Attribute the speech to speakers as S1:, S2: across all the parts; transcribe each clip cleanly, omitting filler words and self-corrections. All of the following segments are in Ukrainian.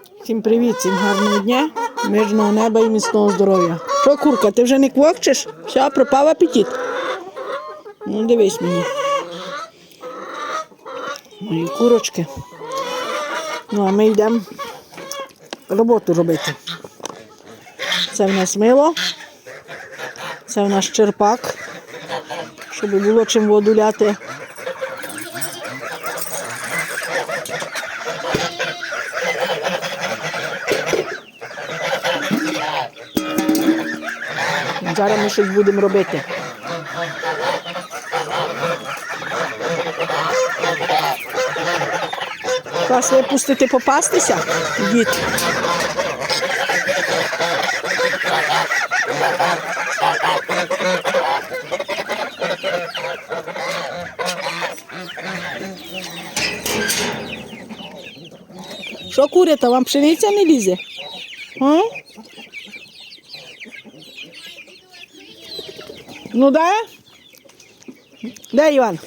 S1: Всім привіт, всім гарного дня, мирного неба і міцного здоров'я. Що, курка, ти вже не квокчеш? Все, пропав апетит? Ну, дивись мені. Мої курочки. Ну, а ми йдемо роботу робити. Це в нас мило, це в нас черпак, щоб було чим воду ляти. Зараз ми щось будемо робити. Вас випустити попастися, дід. Що курята, вам пшениця не лізе? А? Ну да? Де Іван?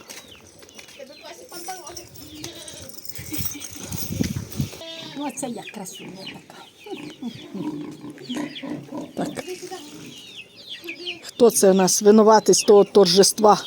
S1: Ну це як красуня така. Так. Хто це у нас винуватий з того торжества?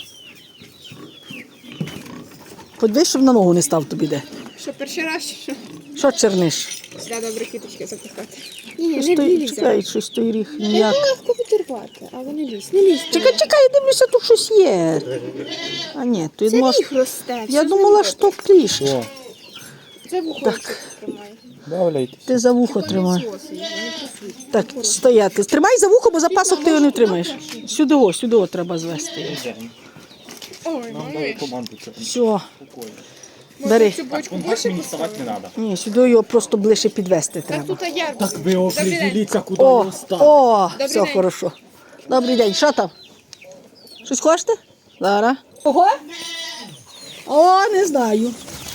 S1: Подивись, щоб на ногу не став тобі де.
S2: Що, перший раз?
S1: Що черниш?
S2: Сюди добре квіточки запихати.
S1: Чекай, щось той ріг ніяк.
S2: Легко відірвати, але не лізь, не лізь.
S1: Чекай, я дивлюся, тут щось є. А ні, тут
S2: Це
S1: може...
S2: ріг росте.
S1: Я думала, що кліщ.
S2: Це вухо
S1: Так.
S2: тримає.
S3: Давляйте.
S1: Ти за вухо тримай.
S2: Соси, не присуть.
S1: Так, стояти. Тримай за вухо, бо за пасок ти його не втримаєш. Сюди о треба звести.
S2: Ой,
S3: Дай команду.
S1: Все. Бери.
S2: цю бочку
S3: Так
S2: більше
S3: мені вставати не треба.
S1: Ні, сюди його просто ближче підвести
S2: Так
S1: треба.
S2: тут я.
S3: Так ви определіться, куди
S1: О,
S3: його ставити.
S1: все
S2: день.
S1: хорошо. Добрий день, що там? Щось хочете? Зараз. Ого? О, не знаю.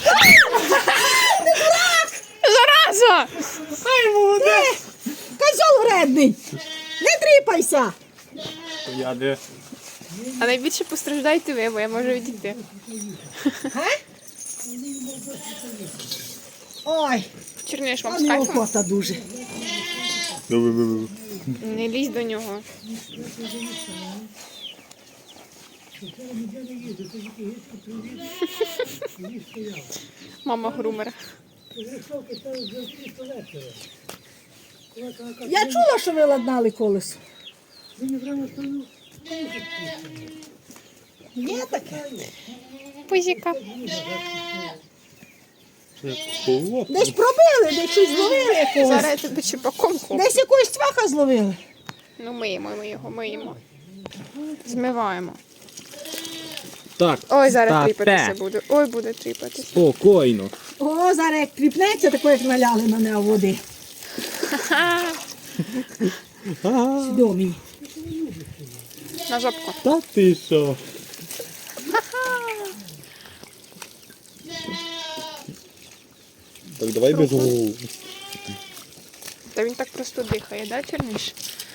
S2: Зараза!
S1: Ай, молодець! Козьол вредний! Не тріпайся!
S3: Я де?
S2: А найбільше постраждаєте ви, бо я можу відійти.
S1: Ой,
S2: Черниш вам
S1: а
S2: з
S1: не
S2: кайфом?
S1: охота дуже.
S2: Не лізь до нього. Мама грумер.
S1: Я чула, що ви ладнали колесо. Є таке?
S2: Пузіка.
S1: Десь пробили, десь щось зловили якогось.
S2: Зараз я тебе чіпаком куплю.
S1: Десь якогось цваха зловили.
S2: Ну миємо ми його, миємо. Змиваємо.
S3: Так.
S2: Ой, зараз
S3: Та
S2: тріпатися
S3: те.
S2: буде. Ой, буде тріпатися.
S3: Спокійно.
S1: О, зараз як тріпнеться, тако як наляли на нього води. Сюди мені.
S2: На жопку.
S3: Та ти що? Так, давай без голову.
S2: Та він так просто дихає, да, Черніш?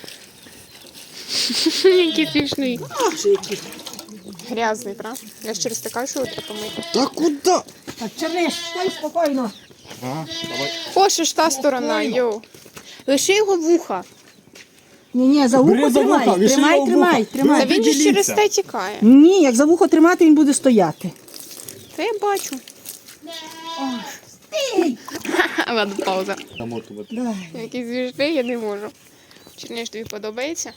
S2: Який смішний.
S1: Ах, який.
S2: Грязний, правда? Я ж через те кажу, що його треба помити.
S3: Та куди?
S1: Так, Черниш, стой спокійно.
S3: Ага, давай.
S2: О, що ж та сторона, йоу. Лиши його вуха.
S1: Ні, за вухо
S3: Бери за
S1: тримай.
S3: вуха, виши його
S1: Тримай.
S3: вуха.
S2: Та він же ж через
S3: Поділіться.
S2: те тікає.
S1: Ні, як за вухо тримати, він буде стояти.
S2: Та я бачу. Ладно, пауза.
S3: Замотувати.
S1: Давай.
S2: Який звіжний, я не можу. Черніш, тобі подобається?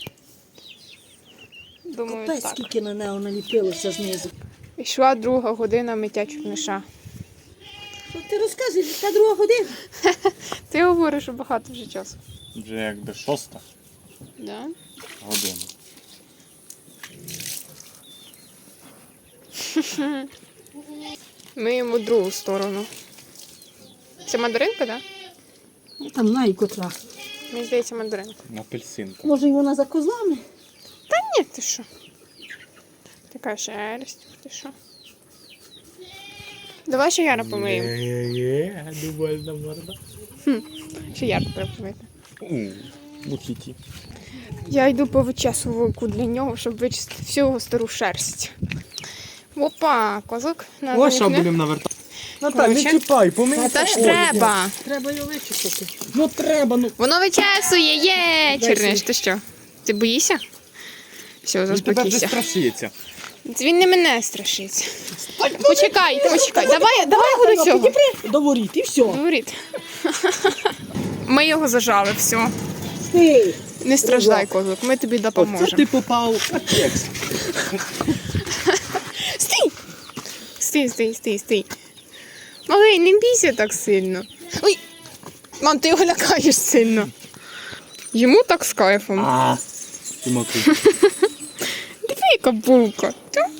S2: Думаю,
S1: Та й
S2: так.
S1: скільки на нього наліпилося знизу.
S2: Пішла 2 година миття Черниша.
S1: Що ти розказуєш, яка друга година?
S2: Ти говориш, що багато вже часу.
S3: Вже якби 6
S2: Да?
S3: година.
S2: Миємо другу сторону. Це мандаринка, так?
S1: Я там знаю котра.
S2: Мені здається, мандаринка.
S3: Апельсинка.
S1: Може, й вона за козлами?
S2: Та ні, ти що? Така шерсть, ти що? Давай ще Яра помиємо.
S3: Є, дубальна морда.
S2: Ще Яра треба помити.
S3: Мухіті.
S2: Я йду по вичесувалку для нього, щоб вичистити всю його стару шерсть. Опа, козак.
S3: Ось що будемо навертати. Наталь, не
S2: Короче.
S3: чіпай, помий.
S2: Та ж треба.
S1: Треба його вичистити.
S3: Ну треба, ну.
S2: Воно вичесує, є! Черниш, ти що? Ти боїшся? Все,
S3: Він тебе вже
S2: заспокійся.
S3: страшиться.
S2: Він не мене страшиться. Почекай. Давай буду цього.
S1: До воріт і все.
S2: Говорить. Ми його зажали, все.
S1: Ти.
S2: Не страждай, козак, ми тобі
S3: Оце
S2: допоможемо.
S3: ти попав в контекст.
S2: Стій. Малий, не бійся так сильно. Ой, мам, ти його лякаєш сильно. Йому так з кайфом.
S3: А, ти мокрий.
S2: Диви, яка булка.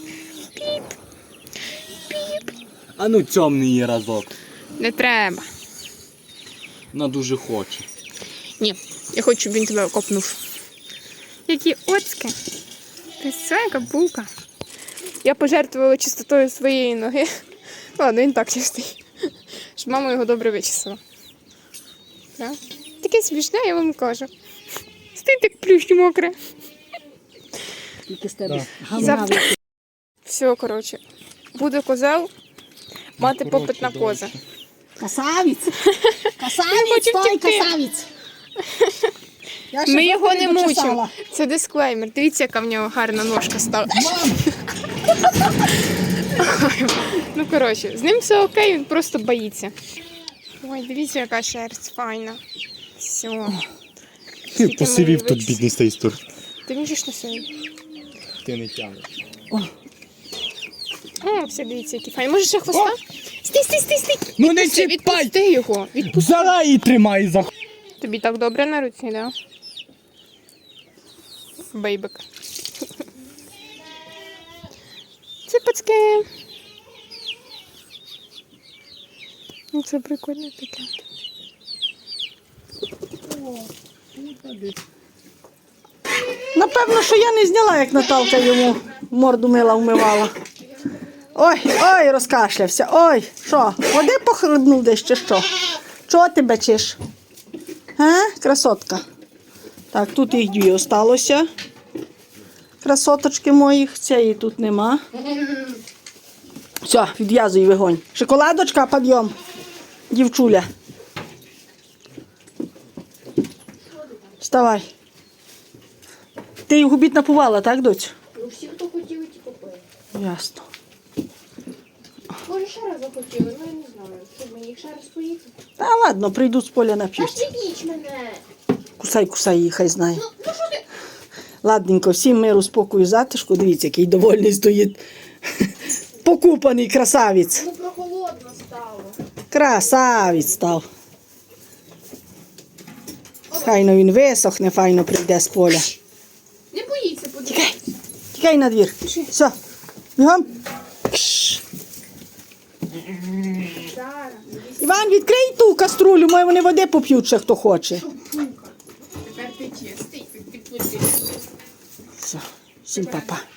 S3: А ну темний її разок.
S2: Не треба.
S3: Вона дуже хоче.
S2: Ні, я хочу, щоб він тебе окопнув. Які оцьки. Ти все, яка булка. Я пожертвувала чистотою своєї ноги. Ладно, він так чистий. Щоб мама його добре вичистила. Так? Таке смішне, я вам кажу. Стій так плющ мокре.
S1: Тільки з тебе.
S2: Завтра. Все, коротше. Буде козел, мати
S3: Ну,
S2: попит на
S3: коротше,
S2: кози.
S1: Красавець.
S2: хочу
S1: Красавець, той
S2: втекти.
S1: красавець. Я ще
S2: Ми його
S1: трохи
S2: не мучимо.
S1: дочесала.
S2: Це дисклеймер. Дивіться, яка в нього гарна ножка стала. Ну, коротше, з ним все окей, він просто боїться. Ой, дивіться, яка шерсть файна. Все.
S3: Ти
S2: Скільки
S3: посивів
S2: ми
S3: тут
S2: вичистили.
S3: бідний з тієї сторони.
S2: Ти міжиш на сьогодні?
S3: Ти не тягнеш.
S2: О, все, дивіться, які файні. Може ще хвоста? Стій.
S3: Ну не
S2: Відпусти його.
S3: Взяла і тримай за.
S2: Тобі так добре на руці, да? Бейбик. Ципочки. Ну, це прикольно таке.
S1: Напевно, що я не зняла, як Наталка йому морду мила вмивала. Ой, розкашлявся. Ой, що, води похлебнув десь чи що? Чого ти бачиш? Красотка. Так, тут їх дві осталося. Красоточки моїх, цієї тут нема. Все, відв'язуй вогонь. Шоколадочка, підйом. Дівчуля. Вставай. Ти їх обід напувала, так, доць?
S4: Ну, всі, хто хотіли, ті купили.
S1: Ясно.
S4: Може, ще раз захотіли, ну я не знаю. Що, мені їх ще раз поїхати?
S1: Та ладно, прийду з поля
S4: Та
S1: нап'юсь.
S4: підіть мене!
S1: Кусай її, хай знає.
S4: Ну що ти?
S1: Ладненько, всім миру, спокою, затишку. Дивіться, який довольний стоїть. Покупаний красавець.
S4: Ну прохолодно стало.
S1: Красавець став. Хайно він висохне, файно прийде з поля.
S4: Не боїться, подивіться.
S1: Тікай на двір. Все, бігом. Кш.
S4: Зараз.
S1: Іван, відкрий ту каструлю, може вони води поп'ють ще хто хоче.
S4: Тепер ти чистий, ти підпустиш.
S1: Все, всім па-па.